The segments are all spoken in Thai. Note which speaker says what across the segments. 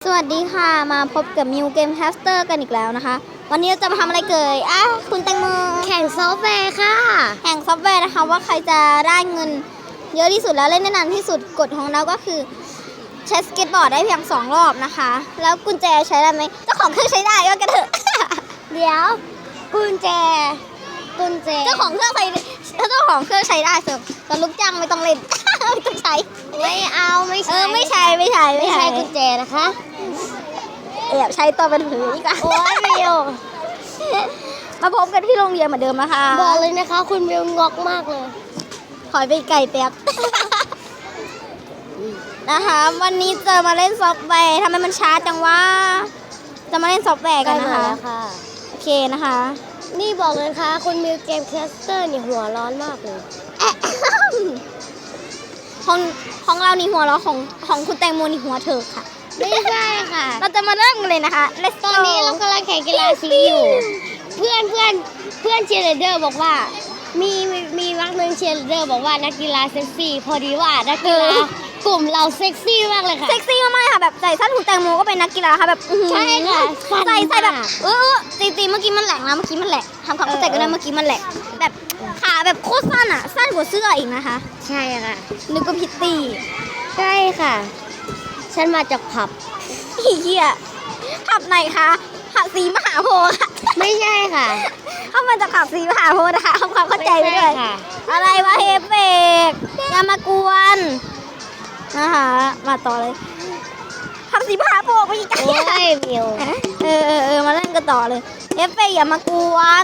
Speaker 1: วัสดีค่ะมาพบกับมิวเกมแคสเตอร์กันอีกแล้วนะคะวันนี้เราจะมาทำอะไรเกิดคุณแตงโม
Speaker 2: แข่งซอฟต์แวร์ค่ะ
Speaker 1: แข่งซอฟต์แวร์นะคะว่าใครจะได้เงินเยอะที่สุดแล้วเล่นได้นานที่สุดกฎของเราก็คือใช้สเก็ตบอร์ดได้เพียง2 รอบนะคะแล้วกุญแจใช้ได้ไหมเจ้าของเครื่องใช้ได้ก็กระเถอะ
Speaker 2: เดี๋ยวกุญแจ
Speaker 1: เจ้าของเครื่องใช้ใช้ได้เถอะแต่ลูกจ้างไม่ต้องเล่น ไม่ต้องใช้
Speaker 2: ไม่เอาไม่ใช่
Speaker 1: ไม่ใช่
Speaker 2: กุญแจนะคะ
Speaker 1: แอบใช้ตัวเป็นผืออีกอ่ะ
Speaker 2: โอ้ยมิว
Speaker 1: มาพบกันที่โรงเรียนเหมือนเดิมนะคะ
Speaker 2: บอกเลยนะคะคุณมิวงอกมากเลย
Speaker 1: ถอยไปไก่แป๊บ นะคะวันนี้จะมาเล่นซอฟต์แวร์ทำไมมันช้าจังวะจะมาเล่นซอฟต์แวร์กันนะคะโอเคนะคะ
Speaker 2: นี่บอกเลยค่ะคุณมิวเกมแคสเตอร์นี่หัวร้อนมากเลย
Speaker 1: ของเรานี่หัวเราะของคุณแตงโมนี่หัวเถิกค่ะ
Speaker 2: ไม่ใช่ค่ะ
Speaker 1: เราจะมาเริ่มกันเลยนะคะ
Speaker 2: ตอนนี้เรากำลังแข่งกีฬาสีอยู่เพื่อนเชียร์ลีดเดอร์บอกว่ามีวักหนึ่งเชียร์ลีดเดอร์บอกว่านักกีฬาเซ็กซี่พอดีว่านักกีฬากลุ่มเราเซ็กซี่มากเลยค่ะ
Speaker 1: เซ็กซี่มากๆค่ะแบบใส่สั้นคุณแตงโมก็เป็นนักกีฬาค่ะแบบ
Speaker 2: ใช่ค่ะ
Speaker 1: ใส่แบบตีเมื่อกี้มันแหลกนะเมื่อกี้มันแหลกทำความเข้าใจกันนะเมื่อกี้มันแหลกแบบขาแบบโคตรสั้นอ่ะสั้นกว่าเสื้ออีกนะคะ
Speaker 2: ใช่ค่ะ
Speaker 1: นึกว่าพิตตี้
Speaker 2: ใช่ค่ะฉันมาจากผับ
Speaker 1: เหี้ยผับไหนคะผับศรีมหาโพธิ์ค่ะ
Speaker 2: ไม่ใช่ค่ะ
Speaker 1: เข้ามาจากผับศรีมหาโพธิ์นะคะทำความเข้าใจไปด้วยอะไรวะเฮฟเฟกอย่ามากวนนะคะมาต่อเลยผับศรีมหาโพธิ์ไปอีก
Speaker 2: โอ้ยมิว
Speaker 1: มาเล่นกันต่อเลยเฮฟเฟกอย่ามากวน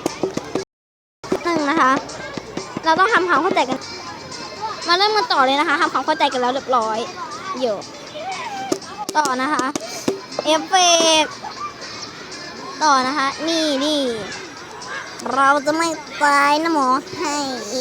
Speaker 1: นะคะเราต้องทำความเข้าใจกันมาเริ่มกันต่อเลยนะคะทำความเข้าใจกันแล้วเรียบร้อยเดี๋ยวต่อนะคะเอฟเฟกต่อนะคะนี่เราจะไม่ตายนะหมอให้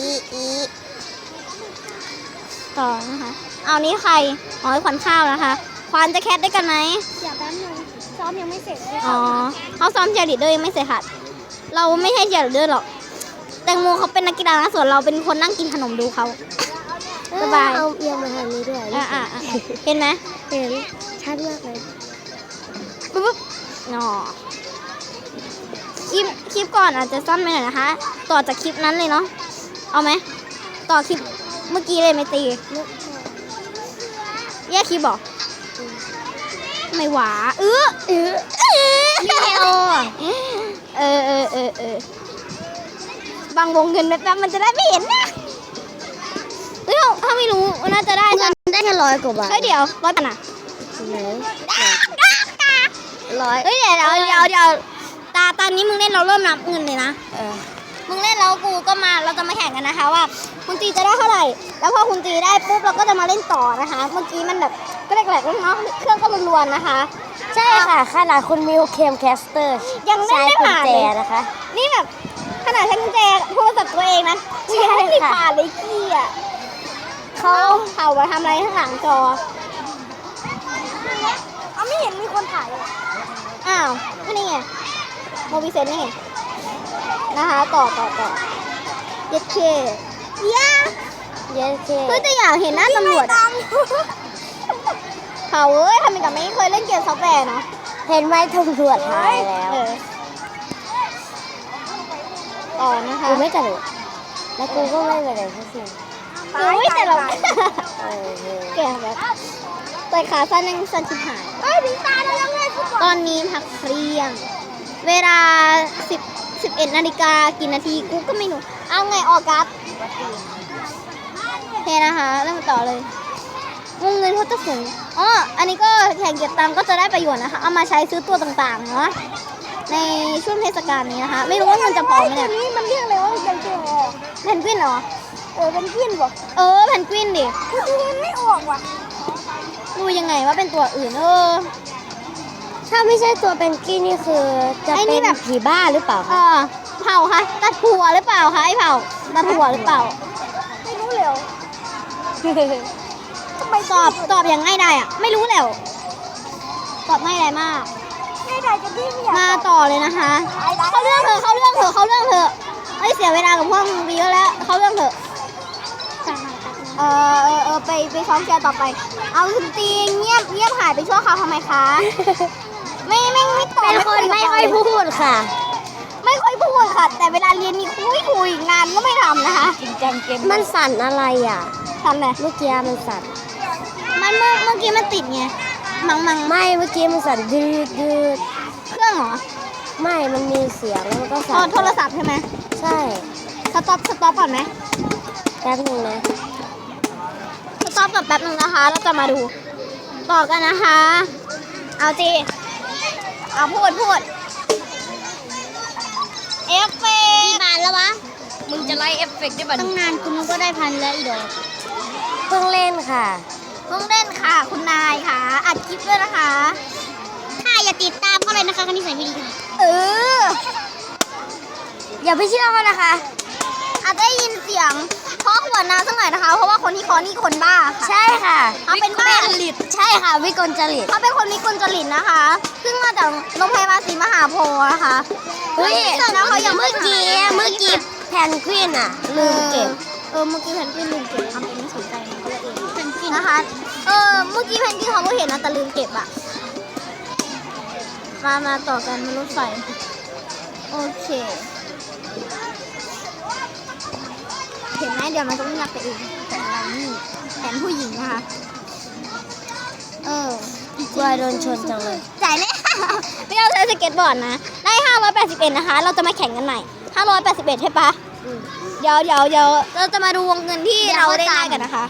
Speaker 1: ต่อนะคะเอานี้ใครอ๋อขวัญข้าวนะคะขวัญจะแคสได้กันไหม
Speaker 2: อย่าแป๊บนึงซ้อมยังไม่เสร็จ
Speaker 1: อ๋อเขาซ้อมเชียร์ลีดเดอร์ยังไม่เสร็จค่ะเราไม่ใช่เชียร์ลีดเดอร์หรอกแตงโมเขาเป็นนักกีฬานะส่วนเราเป็นคนนั่งกินขนมดูเขาสบาย
Speaker 2: เอาเอียงมาทางนี้ด้วย
Speaker 1: เห็นไหม
Speaker 2: เห็นชัดมากเลย
Speaker 1: ปุ๊บอ๋อคลิปก่อนอาจจะสั้นไปหน่อยนะคะต่อจากคลิปนั้นเลยเนาะเอาไหมต่อคลิปเมื่อกี้เลยไม่ตีแยกคลิปบอกไม่หวาบางวงเงินแป๊บมันจะได้ไม่เห็นนะถ้าไม่รู้น่าจะได้
Speaker 2: เงินได้แค่100 กว่าบาท
Speaker 1: เดี๋ยว100 บาทนะ
Speaker 2: 100
Speaker 1: เดี๋ยวตอนนี้มึงเล่นเราเริ่มนับเงินเลยนะมึงเล่นแล้วกูก็มาเราจะมาแข่งกันนะคะว่าคุณตีจะได้เท่าไหร่แล้วพอคุณตีได้ปุ๊บเราก็จะมาเล่นต่อนะคะเมื่อกี้มันแบบก็แหลกๆเนาะเครื่องก็รวนๆนะคะ
Speaker 2: ใช่ค่ะขนาดคุณมิวเคมแคสเตอร์
Speaker 1: ยังเล่นไม่ผ่านเลย
Speaker 2: นะคะ
Speaker 1: นี่แบบขนาดใช้กุญแจโทรศัพท์ตัวเองนะยังไม่ผ่านเลยกี้อ่ะเขาเผามาทำอะไรข้างหลังจอไม่เห็นมีคนถ่ายเลยอ้าวนี่ไงโมบิเซนนี่นะคะต่อเย็ดเคเพื่อจะอยากเห็นหน้าตำรวจเขาทำไมกับไม่เคยเล่นเกมซอฟต์แวร์เนาะ
Speaker 2: เห็นไหมตำรวจถ่ายแล้ว
Speaker 1: ต่อนะคะ
Speaker 2: กูไม่กระโดดแล้วกูก็ไม่กระโดดทั้งสิ้น
Speaker 1: แต่เราแก่แบบแต่ขาสั้นยังสั้นชิบหายตอนนี้พักเที่ยงเวลา11 นาฬิกากี่นาทีกูก็ไม่รู้เอาไงออกัสโอเคนะคะเริ่มต่อเลยวงเงินเขาจะสูงอันนี้ก็แข่งเก็บตังก็จะได้ประโยชน์นะคะเอามาใช้ซื้อตัวต่างๆเนาะในช่วงเทศกาลนี้นะคะไม่รู้ว่าเงินจะพอไหมเนี่ยนี่มันเรียกอะไรว่าเพนกวินเหรอเพนกวินบอกเพนกวินดิดูไม่ออกว่ะดูยังไงว่าเป็นตัวอื่น
Speaker 2: ถ้าไม่ใช่ตัวเป็นกี้นี่คือจะเป็นแบบผีบ้าหรือเปล่า
Speaker 1: เผาคะตัดผัวหรือเปล่าคะไอ้เผาตัดผัวหรือเปล่าไม่รู้เลยทำไมตอบอย่างง่ายได้อะไม่รู้แล้วตอบง่ายได้มากมาต่อเลยนะคะเขาเรื่องเถอะเฮ้ยเสียเวลากับพวกมึงไปเยอะแล้วเขาเรื่องเถอะไปซ้อมเชียร์ต่อไป เอาคุณตีเงียบหายไปชั่วคราวทำไมคะ ไม่ตอบ
Speaker 2: เป็นคนไม่ค่อยพูดค่ะ
Speaker 1: ไม่ค่อยพูดค่ะ แต่เวลาเรียนมีคุยงานก็ไม่ทำนะคะ
Speaker 2: จริงจังเกมมันสั่นอะไรอ่ะ
Speaker 1: ทำเลย
Speaker 2: เมื่อกี้มันสั่น
Speaker 1: มันเมื่อกี้มันติดไงมัง
Speaker 2: ไม่เมื่อกี้มันสั่นดืด
Speaker 1: เครื่องเหรอ
Speaker 2: ไม่มันมีเสียงแล้วมันก็
Speaker 1: อ๋
Speaker 2: สั่
Speaker 1: อน โทรศัพท์ใช่ไหม
Speaker 2: ใช่
Speaker 1: สต็อปก่อนไหม
Speaker 2: แป๊บนึงนะ
Speaker 1: สต็อปก่อนแป๊บนึงนะคะเราจะมาดูต่อกันนะคะ เอาจีเอาพูดเอฟเฟก
Speaker 2: กี่บาทแล้ววะ
Speaker 3: มึงจะไล่เอฟเฟกต์ได้บัด
Speaker 2: ตั้งนานคุณก็ได้พันแล้วอีดอกเพิ่งเล่นค่ะ
Speaker 1: เพิ่งเล่นค่ะ คุณนายค่ะ อัดคลิปด้วยนะคะ
Speaker 2: ค่ะอย่าติดตามเขาเลยนะคะคนนี้ใส่ไม่ดีค่ะ
Speaker 1: เออ
Speaker 2: อย่าไปเชื่อเขานะคะ
Speaker 1: อาจจะได้ยินเสียงเคาะขวดน้ำสักหน่อยนะคะ เพราะว่าคนที่เคาะนี่คนบ้าค่ะ
Speaker 2: ใช่ค่ะ
Speaker 1: เขาเป็นบ้า
Speaker 2: ใช่ค่ะวิกลจริต
Speaker 1: เขาเป็นคนวิกลจริตนะคะ ซึ่งมาจากโรงพยาบาลศรีมหาโพธิ์นะคะ
Speaker 2: เฮ้ย
Speaker 1: แต่นะเขายัง
Speaker 2: เมื่อกี้แพนกวินอ่ะลืมเก็บ
Speaker 1: เมื่อกี้แพนกวินลืมเก็บทำเองไม่สนใจมันก็เลยเองแพนกวินนะคะ เมื่อกี้แพนกวินเขาก็เห็นนะแต่ลืมเก็บอ่ะ มาต่อกันบนรถไฟ โอเค เห็นไหมเดี๋ยวมันจะไม่รับไปเองแต่เรานี่แผนผู้หญิงนะคะ
Speaker 2: กลัวโดนชนจังเลย
Speaker 1: จ่ายเลย ไม่เอาใช้สเก็ตบอร์ดนะ ได้ 581 นะคะ เราจะมาแข่งกันใหม่ 581 ใช่ปะเดี๋ยวเราจะมาดูวงเงินที่เราได้กันนะคะ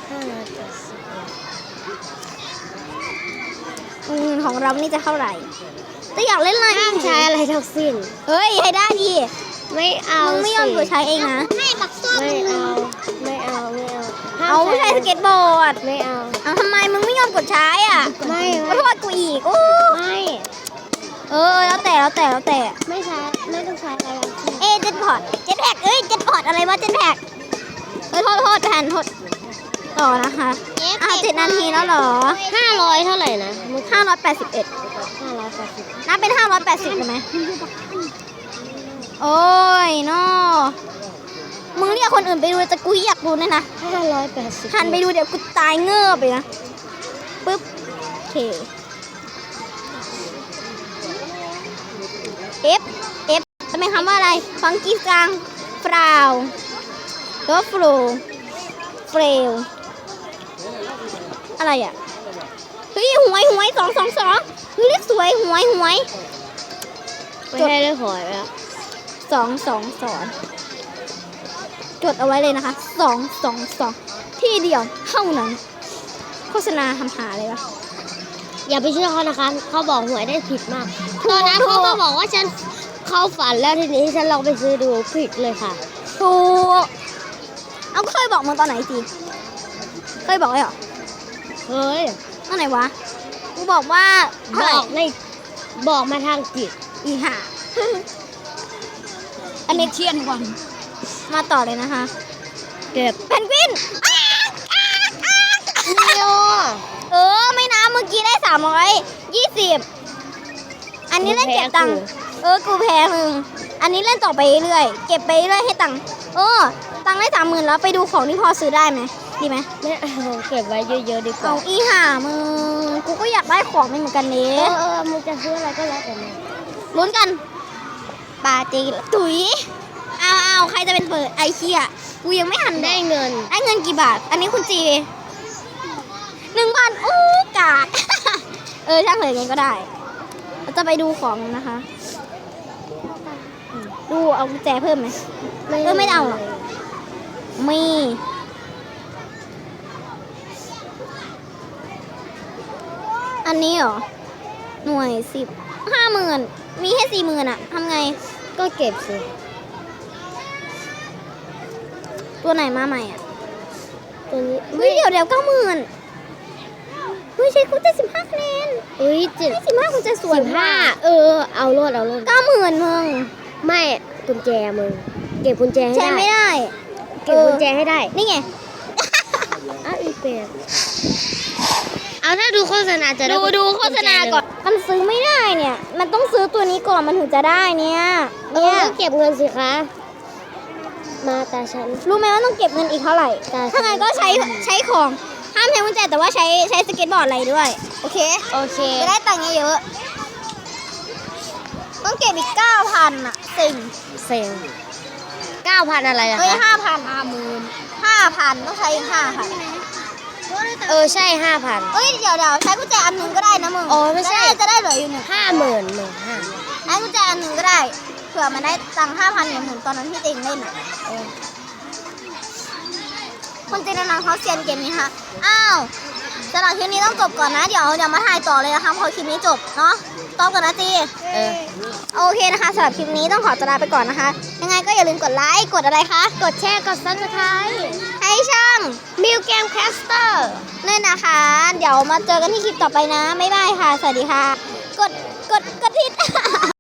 Speaker 1: วงเงินของเรานี่จะเท่าไหร่จะอยากเล่นอะไร
Speaker 2: ห้ามใช้อะไรทั้งสิ้น
Speaker 1: เฮ้ยให้ได้ดิ
Speaker 2: ไม่เอา
Speaker 1: มึงไม่ยอมกดใช้เองนะ
Speaker 2: ไม่เอา
Speaker 1: เอาไม่ใช้สเก็ตบอร์ด
Speaker 2: ไม่เอา
Speaker 1: เอาทำไมมึงไม่ยอมกดใช้อ่ะ
Speaker 2: ไม่
Speaker 1: ขอโทษกูอีกโอ้
Speaker 2: ไม่
Speaker 1: แล้วแต่
Speaker 2: ไม่ใช้ไม่ต้องใช้อะไรทั้งสิ้น
Speaker 1: เจ็ตพอร์ตเจ็ตแพ็กเจ็ตพอร์ตอะไรวะเจ็ตแพ็กโทษแทนโทษต่อนะคะ7 นาทีแล้วเหรอ
Speaker 2: 500เท่าไหร่นะ
Speaker 1: 581
Speaker 2: 580
Speaker 1: นับเป็น580ได้ไหมโอ้ยนอมึงเรียกคนอื่นไปดูแต่กูอยากดูเนี่ยนะ
Speaker 2: 580
Speaker 1: หันไปดูเดี๋ยวกูตายเงือบไปนะปึ๊บโอเค F จะเป็นคำว่าอะไรฟังกี้กลางฟราวหรือว่าฟลูเฟลอะไรอ่ะเฮ้ยหวย222เฮ้ยเลขสวยหวย
Speaker 2: ไม่ใช่ได้หอยแล้ว
Speaker 1: 222จดเอาไว้เลยนะคะ222ที่เดียวเท่านั้นโฆษณาทำหาเลยวะ
Speaker 2: อย่าไปเชื่อเขานะคะเขาบอกหวยได้ผิดมาก
Speaker 1: ถูก
Speaker 2: ตอนนั้นเขาก็บอกว่าฉันเข้าฝันแล้วทีนี้ฉันลองไปซื้อดูผิดเลยค่ะ
Speaker 1: ถูกเอาเคยบอกมึงตอนไหนสิเคยบอกไว้เหรอ
Speaker 2: เฮ้ย
Speaker 1: ตอนไหนวะกูบอกว่าเท่าไหร่
Speaker 2: บอกมาทางจิต
Speaker 1: อีห่า อันนี้เทียนวันมาต่อเลยนะคะ
Speaker 2: เก็บ
Speaker 1: เพนกวิน
Speaker 2: นิว
Speaker 1: ไม่นะเมื่อกี้ได้320อันนี้เล่นเก็บตังค์กูแพ้มึงอันนี้เล่นต่อไปเรื่อยเก็บไปเรื่อยให้ตังค์ตังค์ได้30,000แล้วไปดูของที่พอซื้อได้ไหมดีไหม
Speaker 2: ไม่เอาเก็บไว้เยอะๆดีกว่า
Speaker 1: เอาอีห่ามึงกูก็อยากได้ของไม่เหมือนกันนี้
Speaker 2: มึงจะซื้ออะไรก็แล้วแต่มึง
Speaker 1: ลุ้นกันปาจีตุ๋ยเอาใครจะเป็นเปิดไอเคียกูยังไม่หัน
Speaker 2: ได้เงิน
Speaker 1: ได้เงินกี่บาท อันนี้คุณจี1,000โอ้กาก ช่างเลยไงก็ได้เราจะไปดูของนะคะดูเอากุญแจเพิ่มไหมไม่เอาหรอกมีอันนี้เหรอหน่วย10 50,000มีแค่40,000อะทำไง
Speaker 2: ก็เก็บสิ
Speaker 1: ตัวไหนมาใหม่อ่ะ
Speaker 2: ตัวนี้
Speaker 1: เฮ้ยเดี๋ยว90,000เฮ้ยใช้กุญแจ15คะแนน 15กุญแจสวยมาก
Speaker 2: เอาโลด
Speaker 1: 90,000มึง
Speaker 2: ไม่กุญแจมึงเก็บกุญแจให้
Speaker 1: ใช้
Speaker 2: ได้
Speaker 1: ไม่ได้
Speaker 2: เก็บกุญแจให้ได้
Speaker 1: นี่ไง
Speaker 2: อีเป็ดเอาถ้าดูโฆษณาจะได้
Speaker 1: ดูโฆษณาก่อน มันซื้อไม่ได้เนี่ย มันต้องซื้อตัวนี้ก่อนมันถึงจะได้เนี่ย
Speaker 2: ก็เก็บเงินสิคะ
Speaker 1: ม
Speaker 2: มาตาฉัน
Speaker 1: รู้ไหมว่าต้องเก็บเงินอีกเท่าไหร่
Speaker 2: ได้
Speaker 1: ถ้างั้นก็ใช้ของห้ามใช้กุญแจแต่ว่าใช้สเก็ตบอร์ดอะไรด้วย โอเค
Speaker 2: โอเค
Speaker 1: จะได้ตังค์เยอะๆต้องเก็บอีก 9,000 อ่ะสิ่ง
Speaker 2: เซ็ง9,000อะไรอะ
Speaker 1: เฮ้ย
Speaker 2: คะ
Speaker 1: 5,000 ต้องใช้อีก 5,000
Speaker 2: ใช่ 5,000
Speaker 1: เอ้ยเดี๋ยวใช้กุญแจอันหนึงก็ได้นะมึง
Speaker 2: โอ้ไม่ใช่
Speaker 1: จะได้เหลืออยู่1
Speaker 2: 50,000
Speaker 1: ไอ้กุญแจอันหนึ่งก็ได้เผื่อมันได้ตังค์5,000เหมือนตอนนั้นที่เต็งเล่นอ่ะคนจีนนานเขาเซียนเกมนี้ค่ะอ้าวสำหรับคลิปนี้ต้องจบก่อนนะเดี๋ยวมาถ่ายต่อเลยนะคะพอคลิปนี้จบเนาะตอบก่อนนะจี
Speaker 2: เออ
Speaker 1: โอเคนะคะสำหรับคลิปนี้ต้องขอตัวลาไปก่อนนะคะ ยังไงก็อย่าลืมกดไลค์กดอะไรคะ
Speaker 2: กดแชร์กด Subscribe
Speaker 1: ให้ช่อง
Speaker 2: มิวเกมแคสเตอร์
Speaker 1: ด้วยนะคะ เดี๋ยวมาเจอกันที่คลิปต่อไปนะบ๊ายบายค่ะ สวัสดีค่ะ กดที่